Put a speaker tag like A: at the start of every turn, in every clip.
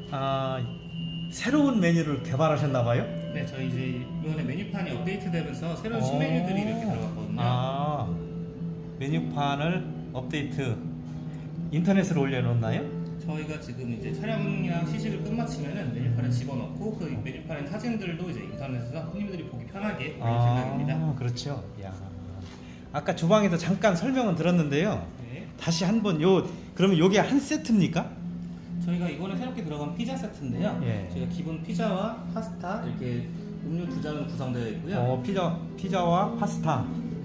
A: 아, 새로운 메뉴를 개발하셨나 봐요?
B: 네, 저희 이제 이번에 메뉴판이 업데이트되면서 새로운 신메뉴들이 이렇게 들어갔거든요.
A: 아, 메뉴판을 업데이트 인터넷으로 올려놓나요?
B: 저희가 지금 이제 촬영이랑 시식을 끝마치면은 메뉴판에 집어넣고 그 메뉴판의 사진들도 이제 인터넷에서 손님들이 보기 편하게 올릴 생각입니다.
A: 그렇죠. 야, 아까 주방에서 잠깐 설명은 들었는데요.
B: 네.
A: 다시 한번 그러면 요게 한 세트입니까?
B: 저희가 이번에 새롭게 들어간 피자 세트인데요.
A: 예.
B: 저희가 기본 피자와 파스타 이렇게 음료 두 잔으로 구성되어 있고요.
A: 피자와 파스타.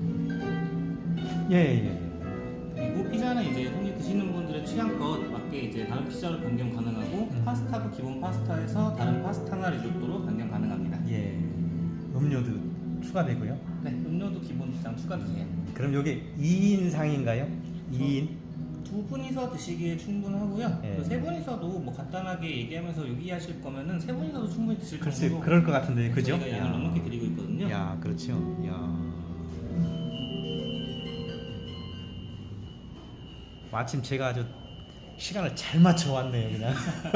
A: 예.
B: 그리고 피자는 이제 손님 드시는 분들의 취향껏 맞게 이제 다른 피자로 변경 가능하고 파스타도 기본 파스타에서 다른 파스타나 리조또로 변경 가능합니다.
A: 예. 음료도 추가되고요.
B: 네, 음료도 기본 두잔 추가주세요.
A: 그럼 요게 2인상인가요? 2인?
B: 두 분이서 드시기에 충분하고요.
A: 예.
B: 세 분이서도 뭐 간단하게 얘기하면서 요기하실 거면은 세 분이서도 충분히 드실
A: 글쎄,
B: 정도로
A: 그럴 것 같은데, 그죠?
B: 저희가 양을 넉넉히 드리고 있거든요.
A: 야, 그렇죠. 야. 마침 제가 아주 시간을 잘 맞춰 왔네요, 그냥.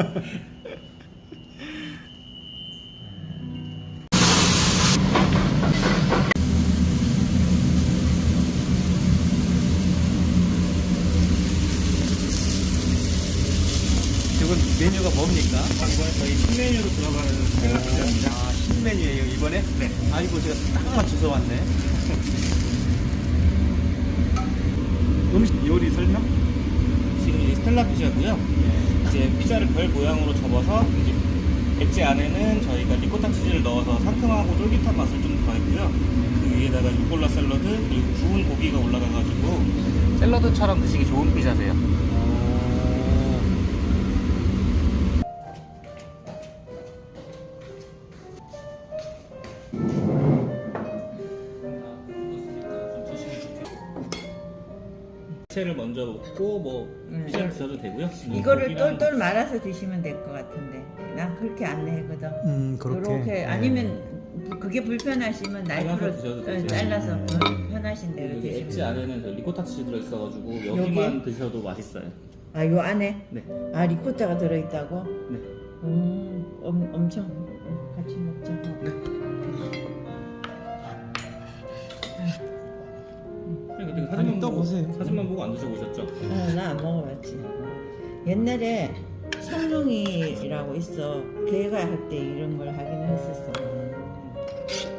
A: 이건 메뉴가 뭡니까?
B: 이번에 저희 신메뉴로 들어가는 스텔라 피자입니다.
A: 아, 신메뉴예요, 이번에?
B: 네.
A: 아이고, 제가 딱 맞춰서 왔네. 음식 요리 설명?
B: 지금 이 스텔라 피자고요. 이제 피자를 별 모양으로 접어서 이제 엣지 안에는 저희가 리코타 치즈를 넣어서 상큼하고 쫄깃한 맛을 좀 더했고요. 그 위에다가 루꼴라 샐러드 그리고 구운 고기가 올라가가지고 샐러드처럼 드시기 좋은 피자세요. 야채를 먼저 먹고 뭐 피자 드셔도 되고요.
C: 이거를
B: 고기랑
C: 똘똘 말아서 드시면 될 것 같은데 난 그렇게 안내하거든.
A: 그렇게.
C: 이렇게 아니면 그게 불편하시면 나이프로
B: 드셔도 되세요.
C: 잘라서 편하신 대로
B: 여기 엣지
C: 드시면.
B: 안에는 저 리코타 치즈 들어있어가지고 여기만
C: 여기에?
B: 드셔도 맛있어요.
C: 아, 요 안에?
B: 네.
C: 아, 리코타가 들어있다고?
B: 네.
C: 엄청 같이 먹자.
B: 그때
A: 아니,
B: 사진만
A: 또
B: 보고
A: 보세요.
B: 사진만 보고 안 드셔보셨죠?
C: 나 안 먹어봤지. 옛날에 성룡이라고 있어. 걔가 할 때 이런 걸 하긴 했었어.